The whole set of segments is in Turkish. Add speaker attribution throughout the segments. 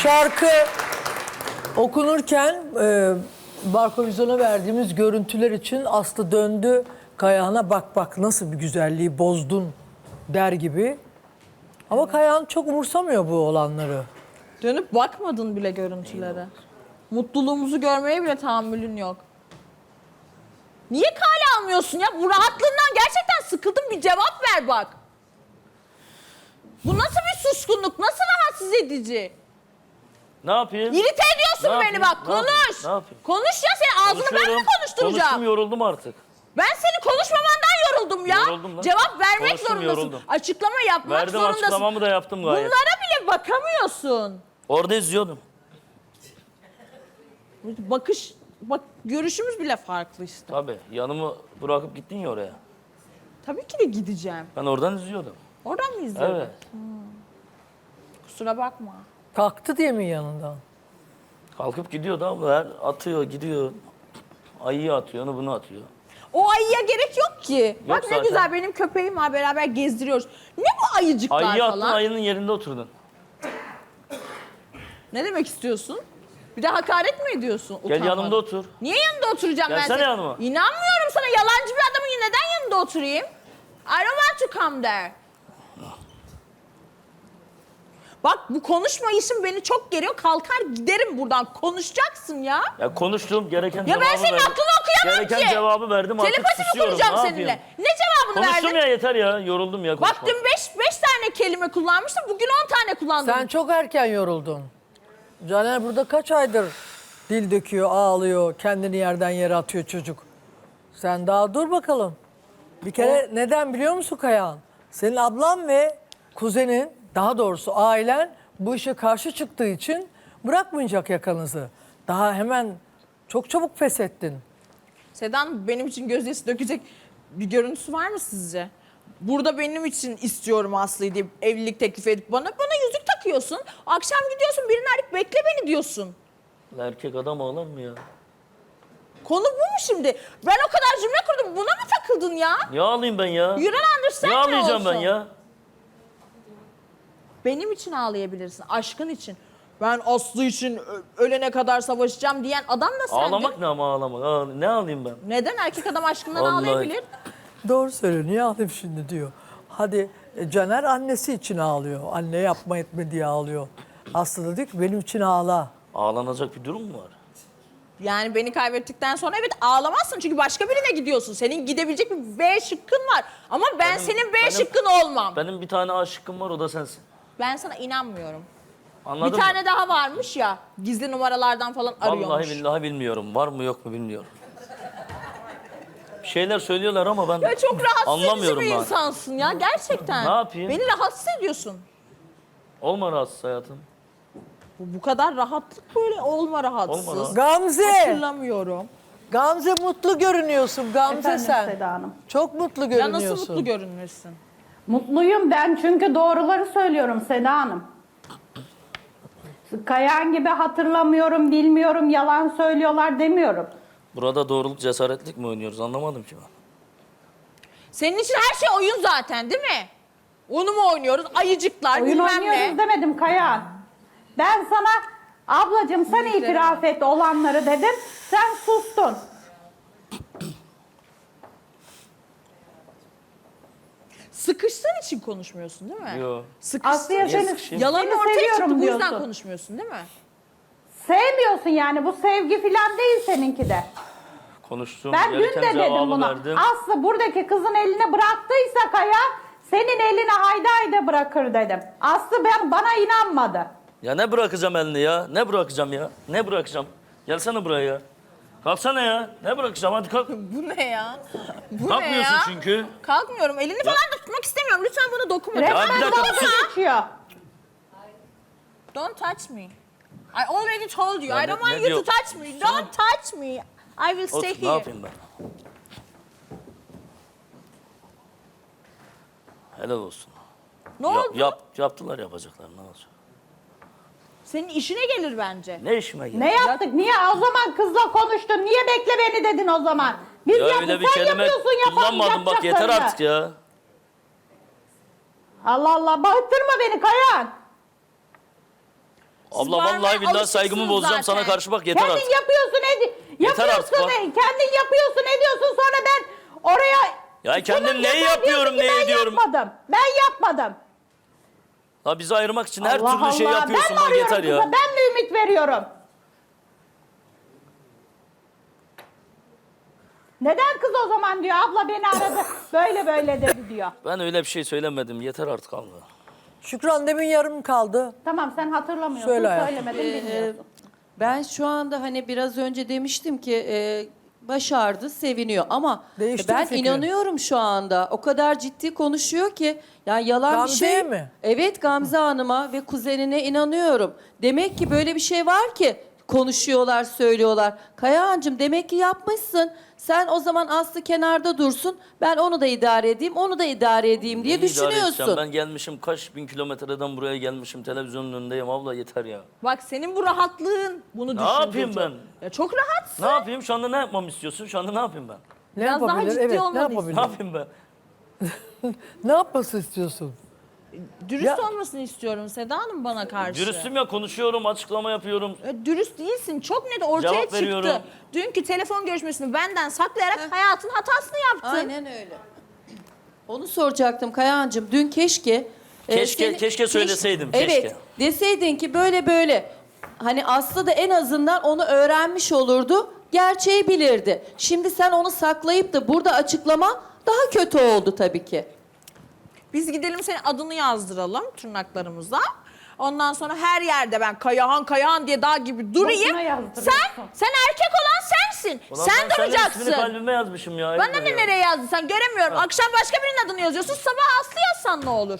Speaker 1: şarkı okunurken Barkovizyon'a verdiğimiz görüntüler için Aslı döndü Kayahan'a, bak bak nasıl bir güzelliği bozdun der gibi. Ama Kayahan çok umursamıyor bu olanları.
Speaker 2: Dönüp bakmadın bile görüntülere. Mutluluğumuzu görmeye bile tahammülün yok. Niye kale almıyorsun ya? Bu rahatlığından gerçekten sıkıldım. Bir cevap ver bak. Bu nasıl bir suskunluk? Nasıl rahatsız edici?
Speaker 3: Ne yapayım?
Speaker 2: İrite ediyorsun beni bak.
Speaker 3: Ne yapayım?
Speaker 2: Konuş.
Speaker 3: Ne yapayım?
Speaker 2: Konuş ya, senin ağzını ben mi
Speaker 3: Konuşuyorum.
Speaker 2: konuşturacağım?
Speaker 3: Konuştum, yoruldum artık.
Speaker 2: Ben senin konuşmamandan yoruldum ya.
Speaker 3: Yoruldum lan.
Speaker 2: Cevap vermek
Speaker 3: Konuştum,
Speaker 2: zorundasın.
Speaker 3: yoruldum.
Speaker 2: Açıklama yapmak
Speaker 3: Verdim,
Speaker 2: zorundasın.
Speaker 3: açıklamamı da yaptım gayet.
Speaker 2: Bunlara bile bakamıyorsun.
Speaker 3: Orada izliyordum.
Speaker 2: Bak görüşümüz bile farklı işte.
Speaker 3: Tabii, yanımı bırakıp gittin ya oraya.
Speaker 2: Tabii ki de gideceğim.
Speaker 3: Ben oradan izliyordum.
Speaker 2: Oradan mı izliyordun?
Speaker 3: Evet.
Speaker 2: Kusura bakma.
Speaker 1: Kalktı diye mi yanından?
Speaker 3: Kalkıp gidiyordu abla, her atıyor, gidiyor. Ayıyı atıyor, onu bunu atıyor.
Speaker 2: O ayıya gerek yok ki. Bak ne
Speaker 3: zaten.
Speaker 2: güzel, benim köpeğim var, beraber gezdiriyoruz. Ne bu ayıcıklar
Speaker 3: Ayıyı attın,
Speaker 2: falan?
Speaker 3: ayının yerinde oturdun.
Speaker 2: Ne demek istiyorsun? Bir de hakaret mi ediyorsun?
Speaker 3: Gel
Speaker 2: utanmadan?
Speaker 3: yanımda otur.
Speaker 2: Niye yanında oturacağım ben
Speaker 3: Gelsene
Speaker 2: senin?
Speaker 3: yanıma.
Speaker 2: İnanmıyorum sana, yalancı bir adamın neden yanında oturayım? I don't want to come there. Bak bu konuşma işin beni çok geriyor. Kalkar giderim buradan. Konuşacaksın ya.
Speaker 3: Ya konuştum, gereken
Speaker 2: Ya
Speaker 3: cevabı
Speaker 2: ben senin
Speaker 3: verdim.
Speaker 2: aklını okuyamam
Speaker 3: Gereken
Speaker 2: ki.
Speaker 3: cevabı verdim, artık
Speaker 2: Telepati mi
Speaker 3: susuyorum.
Speaker 2: kuracağım
Speaker 3: Ne
Speaker 2: seninle?
Speaker 3: yapayım?
Speaker 2: Ne cevabını
Speaker 3: Konuştum
Speaker 2: verdin?
Speaker 3: ya, yeter ya, yoruldum ya
Speaker 2: Bak
Speaker 3: konuşmak.
Speaker 2: dün beş tane kelime kullanmıştım. Bugün 10 tane kullandım.
Speaker 1: Sen çok erken yoruldun. Caner burada kaç aydır dil döküyor, ağlıyor, kendini yerden yere atıyor çocuk. Sen daha dur bakalım. Bir kere neden biliyor musun Kayahan? Senin ablan ve kuzenin, daha doğrusu ailen bu işe karşı çıktığı için bırakmayacak yakanızı. Daha hemen çok çabuk feshettin.
Speaker 2: Sedan benim için gözyaşı dökecek bir görüntüsü var mı sizce? Burada benim için istiyorum Aslı'yı diye evlilik teklif edip bana yüzük takıyorsun. Akşam gidiyorsun, birini arayıp bekle beni diyorsun.
Speaker 3: Erkek adam ağlar mı ya?
Speaker 2: Konu bu mu şimdi? Ben o kadar cümle kurdum. Buna mı takıldın ya?
Speaker 3: Niye ağlayayım ben ya?
Speaker 2: You don't understand
Speaker 3: Niye ağlayacağım
Speaker 2: olsun?
Speaker 3: ben ya?
Speaker 2: Benim için ağlayabilirsin, aşkın için. Ben Aslı için ölene kadar savaşacağım diyen adam da sendin.
Speaker 3: Ağlamak ne ama ağlamak? Ne ağlayayım ben?
Speaker 2: Neden? Erkek adam aşkından
Speaker 3: Vallahi.
Speaker 2: ağlayabilir.
Speaker 1: Doğru söylüyor. Niye ağlayayım şimdi diyor. Hadi Caner annesi için ağlıyor. Anne yapma etme diye ağlıyor. Aslı da diyor ki benim için ağla.
Speaker 3: Ağlanacak bir durum mu var?
Speaker 2: Yani beni kaybettikten sonra evet ağlamazsın çünkü başka birine gidiyorsun. Senin gidebilecek bir B şıkkın var. Ama ben senin B şıkkın olmam.
Speaker 3: Benim bir tane aşıkım var, o da sensin.
Speaker 2: Ben sana inanmıyorum.
Speaker 3: Anladın
Speaker 2: Bir
Speaker 3: mı?
Speaker 2: tane daha varmış ya, gizli numaralardan falan arıyormuş.
Speaker 3: Vallahi billahi bilmiyorum. Var mı yok mu bilmiyorum. Bir şeyler söylüyorlar ama ben
Speaker 2: Ya çok rahatsız edici
Speaker 3: anlamıyorum
Speaker 2: bir
Speaker 3: ben.
Speaker 2: insansın ya gerçekten.
Speaker 3: Ne yapayım?
Speaker 2: Beni rahatsız ediyorsun.
Speaker 3: Olma rahatsız hayatım.
Speaker 2: Bu kadar rahatlık böyle olma rahatsız.
Speaker 3: Olma rahat.
Speaker 1: Gamze!
Speaker 2: Hatırlamıyorum.
Speaker 1: Gamze mutlu görünüyorsun Gamze
Speaker 4: Efendim
Speaker 1: sen.
Speaker 4: Seda Hanım.
Speaker 1: Çok mutlu
Speaker 2: Ya
Speaker 1: görünüyorsun.
Speaker 2: nasıl mutlu görünürsün?
Speaker 4: Mutluyum ben çünkü doğruları söylüyorum Seda Hanım. Kayan gibi hatırlamıyorum, bilmiyorum, yalan söylüyorlar demiyorum.
Speaker 3: Burada doğruluk cesaretlik mi oynuyoruz, anlamadım ki ben.
Speaker 2: Senin için her şey oyun zaten değil mi? Onu mu oynuyoruz? Ayıcıklar
Speaker 4: Oyun
Speaker 2: bilmem
Speaker 4: oynuyoruz
Speaker 2: ne.
Speaker 4: demedim Kayan. Ben sana ablacığım sen
Speaker 2: Büyüklerim.
Speaker 4: itiraf et olanları dedim. Sen sustun.
Speaker 2: Sıkıştığın için konuşmuyorsun değil mi?
Speaker 3: Yo.
Speaker 4: Aslı'ya
Speaker 3: Niye
Speaker 4: seni,
Speaker 3: sıkışayım?
Speaker 2: Yalanın
Speaker 4: seni
Speaker 2: ortaya çıktı,
Speaker 4: seviyorum
Speaker 2: bu yüzden
Speaker 4: diyorsun.
Speaker 2: konuşmuyorsun değil mi?
Speaker 4: Sevmiyorsun yani, bu sevgi falan değil seninki de.
Speaker 3: Konuştum,
Speaker 4: Ben dün
Speaker 3: gereken
Speaker 4: de dedim
Speaker 3: cevabı
Speaker 4: buna.
Speaker 3: verdim.
Speaker 4: Aslı buradaki kızın eline bıraktıysa Kaya, senin eline haydi haydi bırakır dedim. Aslı bana inanmadı.
Speaker 3: Ya ne bırakacağım elini ya? Ne bırakacağım ya? Ne bırakacağım? Gelsene buraya ya. Kalksana ya. Ne bırakacağım? Hadi kalk.
Speaker 2: Bu ne ya? Bu
Speaker 3: Kalkmıyorsun
Speaker 2: ne ya?
Speaker 3: çünkü.
Speaker 2: Kalkmıyorum. Elini falan da tutmak istemiyorum. Lütfen bana dokunma.
Speaker 3: bir
Speaker 4: Resmen
Speaker 3: dakika,
Speaker 4: dalga
Speaker 3: sus.
Speaker 4: geçiyor.
Speaker 2: Don't touch me. I already told you.
Speaker 3: Ya
Speaker 2: I don't
Speaker 3: ne
Speaker 2: want you
Speaker 3: diyor?
Speaker 2: to touch me. Don't touch me. I will stay
Speaker 3: Otur, ne
Speaker 2: here.
Speaker 3: yapayım ben? Helal olsun.
Speaker 2: Ne oldu?
Speaker 3: Yaptılar, yapacaklar, ne olacak?
Speaker 2: Senin işine gelir bence.
Speaker 3: Ne işime geldi?
Speaker 4: Ne yaptık? Niye o zaman kızla konuştun? Niye bekle beni dedin o zaman? Biz
Speaker 3: Ya öyle bir
Speaker 4: sen
Speaker 3: kelime
Speaker 4: yapıyorsun,
Speaker 3: kullanmadım, bak yeter
Speaker 4: yapacaklarını.
Speaker 3: artık ya.
Speaker 4: Allah Allah, bağırtırma beni Kayan.
Speaker 3: Abla
Speaker 2: bağırmaya
Speaker 3: vallahi billahi
Speaker 2: alışıksınız
Speaker 3: saygımı bozacağım
Speaker 2: zaten.
Speaker 3: sana karşı bak yeter
Speaker 4: Kendin
Speaker 3: artık.
Speaker 4: yapıyorsun
Speaker 3: Yeter artık bak.
Speaker 4: kendin yapıyorsun ediyorsun sonra ben oraya...
Speaker 3: Ya kendim
Speaker 4: Sunum
Speaker 3: neyi
Speaker 4: yapar
Speaker 3: yapıyorum,
Speaker 4: diyorsun ki
Speaker 3: neyi ediyorum?
Speaker 4: Ben yapmadım.
Speaker 3: Ha bizi ayırmak için her
Speaker 4: Allah
Speaker 3: türlü şey
Speaker 4: Allah,
Speaker 3: yapıyorsun
Speaker 4: ben mi
Speaker 3: bak
Speaker 4: arıyorum
Speaker 3: yeter ya.
Speaker 4: kıza? Ben mi ümit veriyorum? Neden kız o zaman diyor abla beni aradı böyle böyle dedi diyor.
Speaker 3: Ben öyle bir şey söylemedim yeter artık abla.
Speaker 1: Şükran demin yarım kaldı.
Speaker 4: Tamam sen hatırlamıyorsun
Speaker 1: Söyle hayatım.
Speaker 4: söylemedin bilmiyorsun.
Speaker 5: Ben şu anda hani biraz önce demiştim ki başardı, seviniyor ama
Speaker 1: Değişti mi
Speaker 5: ben
Speaker 1: fikrin?
Speaker 5: inanıyorum şu anda. O kadar ciddi konuşuyor ki yani yalan bir
Speaker 1: Gamze'ye
Speaker 5: şey.
Speaker 1: mi?
Speaker 5: Evet Gamze Hanım'a ve kuzenine inanıyorum. Demek ki böyle bir şey var ki konuşuyorlar, söylüyorlar. Kayahan'cığım demek ki yapmışsın. Sen o zaman Aslı kenarda dursun. Ben onu da idare edeyim, onu da idare edeyim diye
Speaker 3: Neyi idare edeceğim?
Speaker 5: düşünüyorsun.
Speaker 3: Ben gelmişim kaç bin kilometreden buraya gelmişim televizyonun önündeyim abla yeter ya.
Speaker 2: Bak senin bu rahatlığın bunu
Speaker 3: Ne
Speaker 2: düşündürtüyor.
Speaker 3: yapayım ben?
Speaker 2: Ya çok rahatsın.
Speaker 3: Ne yapayım şu anda ne yapmamı istiyorsun? Şu anda ne yapayım ben?
Speaker 1: Ne
Speaker 2: Biraz daha
Speaker 1: yapabilir?
Speaker 2: ciddi
Speaker 1: Evet, ne
Speaker 2: olmalıyız.
Speaker 3: Ne
Speaker 1: yapabilir?
Speaker 3: yapayım ben?
Speaker 1: Ne yapması istiyorsun?
Speaker 2: Dürüst
Speaker 1: Ya-
Speaker 2: olmasını istiyorum Seda Hanım bana karşı.
Speaker 3: Dürüstüm ya konuşuyorum açıklama yapıyorum.
Speaker 2: Dürüst değilsin. Çok net ortaya
Speaker 3: Cevap
Speaker 2: çıktı.
Speaker 3: veriyorum.
Speaker 2: Dünkü telefon görüşmesini benden saklayarak hayatın hatasını yaptın.
Speaker 5: Aynen öyle. Onu soracaktım Kayahan'cığım. Dün keşke...
Speaker 3: Keşke söyleseydim,
Speaker 5: Evet.
Speaker 3: keşke.
Speaker 5: Deseydin ki böyle böyle. Hani Aslı da en azından onu öğrenmiş olurdu. Gerçeği bilirdi. Şimdi sen onu saklayıp da burada açıklama daha kötü oldu tabii ki.
Speaker 2: Biz gidelim senin adını yazdıralım tırnaklarımıza. Ondan sonra her yerde ben Kayahan diye dağ gibi durayım.
Speaker 4: Boşuna yazdırıyorsun.
Speaker 2: Sen erkek olan sensin.
Speaker 3: Ulan
Speaker 2: sen
Speaker 3: ben senin
Speaker 2: duracaksın.
Speaker 3: ismini kalbime yazmışım ya.
Speaker 2: Bana
Speaker 3: ayıptır
Speaker 2: ne
Speaker 3: ya.
Speaker 2: nereye yazdın sen göremiyorum. Akşam başka birinin adını yazıyorsun. Sabah Aslı yazsan ne olur?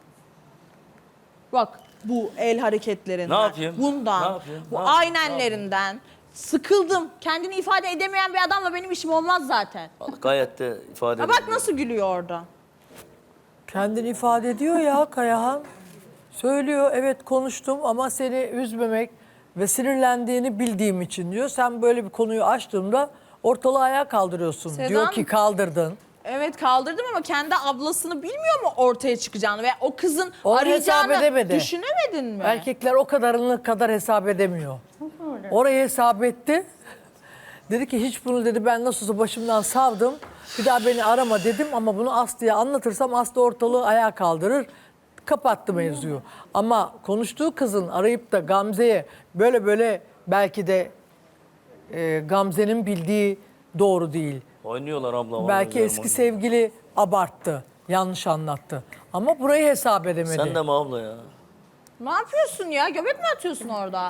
Speaker 2: Bak bu el hareketlerinden.
Speaker 3: Ne yapayım?
Speaker 2: Bundan.
Speaker 3: Ne yapayım?
Speaker 2: Bu
Speaker 3: Ne yapayım?
Speaker 2: aynenlerinden. Sıkıldım. Kendini ifade edemeyen bir adamla benim işim olmaz zaten.
Speaker 3: Gayet de ifade
Speaker 2: Ha bak
Speaker 3: ediyorum.
Speaker 2: nasıl gülüyor orada.
Speaker 1: Kendini ifade ediyor ya Kayahan. Söylüyor evet konuştum ama seni üzmemek ve sinirlendiğini bildiğim için diyor. Sen böyle bir konuyu açtığımda ortalığı ayağa kaldırıyorsun.
Speaker 2: Sedan-
Speaker 1: Diyor ki kaldırdın.
Speaker 2: Evet kaldırdım ama kendi ablasını bilmiyor mu ortaya çıkacağını ve o kızın
Speaker 1: Onu
Speaker 2: arayacağını
Speaker 1: hesap edemedi.
Speaker 2: düşünemedin mi?
Speaker 1: Erkekler o kadarını kadar hesap edemiyor. Orayı hesap etti. Dedi ki hiç bunu dedi ben nasıl olsa başımdan savdım. Bir daha beni arama dedim ama bunu Aslı'ya anlatırsam Aslı ortalığı ayağa kaldırır. Kapattı mevzuyu. Ama konuştuğu kızın arayıp da Gamze'ye böyle böyle belki de Gamze'nin bildiği doğru değil.
Speaker 3: Oynuyorlar abla. vallahi
Speaker 1: Belki
Speaker 3: güzelim
Speaker 1: eski
Speaker 3: oynuyor.
Speaker 1: sevgili abarttı, yanlış anlattı. Ama burayı hesap edemedi.
Speaker 3: Sen de mi abla ya?
Speaker 2: Ne yapıyorsun ya? Göbek mi atıyorsun orada?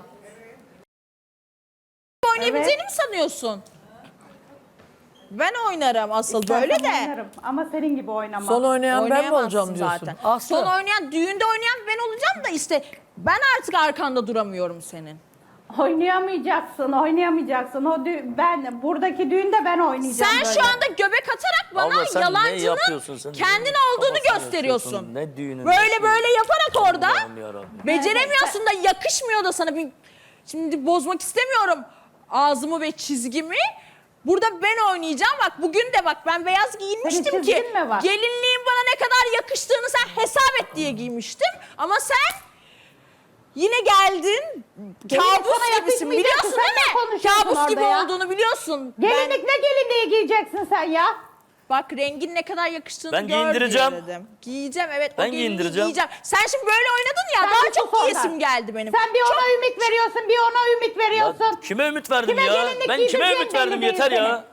Speaker 2: Oynayabileceğini mi sanıyorsun? Ben oynarım asıl
Speaker 4: İstersen
Speaker 2: böyle de.
Speaker 4: oynarım Ama senin gibi oynamam.
Speaker 1: Son oynayan ben mi
Speaker 2: Oynayamazsın
Speaker 1: olacağım diyorsun?
Speaker 2: zaten.
Speaker 1: Aslı.
Speaker 2: Son oynayan, düğünde oynayan ben olacağım da işte ben artık arkanda duramıyorum senin.
Speaker 4: Oynayamayacaksın. Ben buradaki düğünde ben oynayacağım
Speaker 2: Sen
Speaker 4: böyle.
Speaker 2: şu anda göbek atarak bana
Speaker 3: Abla sen ne
Speaker 2: yalancının
Speaker 3: yapıyorsun? Sen
Speaker 2: kendin
Speaker 3: neyin
Speaker 2: olduğunu
Speaker 3: kafasını
Speaker 2: gösteriyorsun.
Speaker 3: yaşıyorsun? Ne düğünü?
Speaker 2: Böyle böyle yaparak orada
Speaker 3: Allah'ım yarabbim.
Speaker 2: beceremiyorsun da yakışmıyor da sana. Şimdi bozmak istemiyorum ağzımı ve çizgimi. Burada ben oynayacağım. Bak bugün de bak ben beyaz giyinmiştim
Speaker 4: Senin
Speaker 2: ki
Speaker 4: çizgin mi var?
Speaker 2: gelinliğin bana ne kadar yakıştığını sen hesap et diye giymiştim. Ama sen yine geldin.
Speaker 4: Gelinlik sana
Speaker 2: Kabus gibisin
Speaker 4: yakışmayacak
Speaker 2: biliyorsun
Speaker 4: ki, sen
Speaker 2: değil
Speaker 4: ne
Speaker 2: mi?
Speaker 4: konuşuyorsun
Speaker 2: Kabus gibi
Speaker 4: orada ya?
Speaker 2: olduğunu biliyorsun.
Speaker 4: Gelinlik ne gelinliği giyeceksin sen ya?
Speaker 2: Bak rengin ne kadar yakıştığını
Speaker 3: Ben
Speaker 2: gör
Speaker 3: giyindireceğim.
Speaker 2: diye dedim. Giyeceğim evet.
Speaker 3: Ben
Speaker 2: o gelinliği
Speaker 3: giyindireceğim.
Speaker 2: Giyeceğim. Sen şimdi böyle oynadın ya
Speaker 4: Sen
Speaker 2: daha
Speaker 4: bir
Speaker 2: çok
Speaker 4: sus
Speaker 2: giyesim
Speaker 4: oradan.
Speaker 2: geldi benim.
Speaker 4: Sen bir ona ümit veriyorsun, bir ona ümit
Speaker 3: Ya
Speaker 4: veriyorsun.
Speaker 3: kime ümit verdim
Speaker 4: Kime
Speaker 3: ya?
Speaker 4: gelinlik
Speaker 3: Ben kime
Speaker 4: giydireceğin
Speaker 3: ümit verdim
Speaker 4: belli
Speaker 3: yeter
Speaker 4: değil
Speaker 3: ya.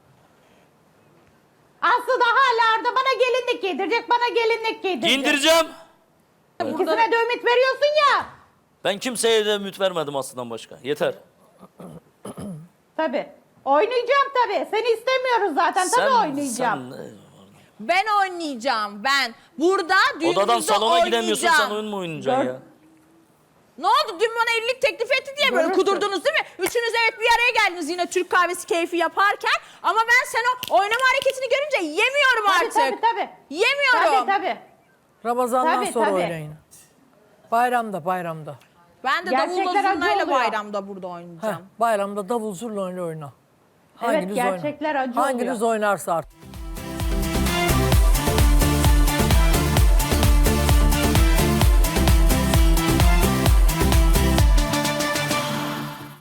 Speaker 4: Aslı da hala orada bana gelinlik giydirecek, bana gelinlik giydirecek.
Speaker 3: Giyindireceğim.
Speaker 4: İkisine de ümit veriyorsun ya.
Speaker 3: Ben kimseye de ümit vermedim aslından başka. Yeter.
Speaker 4: Tabii. Oynayacağım tabii. Seni istemiyoruz zaten. Tabii oynayacağım.
Speaker 2: Ben oynayacağım ben. Burada düğünümüzde
Speaker 3: Odadan salona
Speaker 2: oynayacağım.
Speaker 3: gidemiyorsun sen oyun mu oynayacaksın ya?
Speaker 2: Ne oldu? Dün bana evlilik teklif etti diye böyle
Speaker 4: Görürsün.
Speaker 2: kudurdunuz değil mi? Üçünüz evet bir araya geldiniz yine Türk kahvesi keyfi yaparken. Ama ben sen o oynama hareketini görünce yemiyorum
Speaker 4: Tabii,
Speaker 2: artık.
Speaker 4: tabii.
Speaker 2: Yemiyorum.
Speaker 4: Tabii.
Speaker 1: Ramazan'dan
Speaker 4: Tabii,
Speaker 1: sonra
Speaker 4: tabii.
Speaker 1: oynayın. Bayramda.
Speaker 2: Ben de
Speaker 4: Gerçekler
Speaker 2: davulla
Speaker 4: acı
Speaker 2: zurnayla
Speaker 4: oluyor.
Speaker 2: bayramda burada
Speaker 1: Heh,
Speaker 2: oynayacağım.
Speaker 1: bayramda davul zurna oyna.
Speaker 4: Evet, gerçekler acı oluyor.
Speaker 1: Hanginiz oynarsa artık.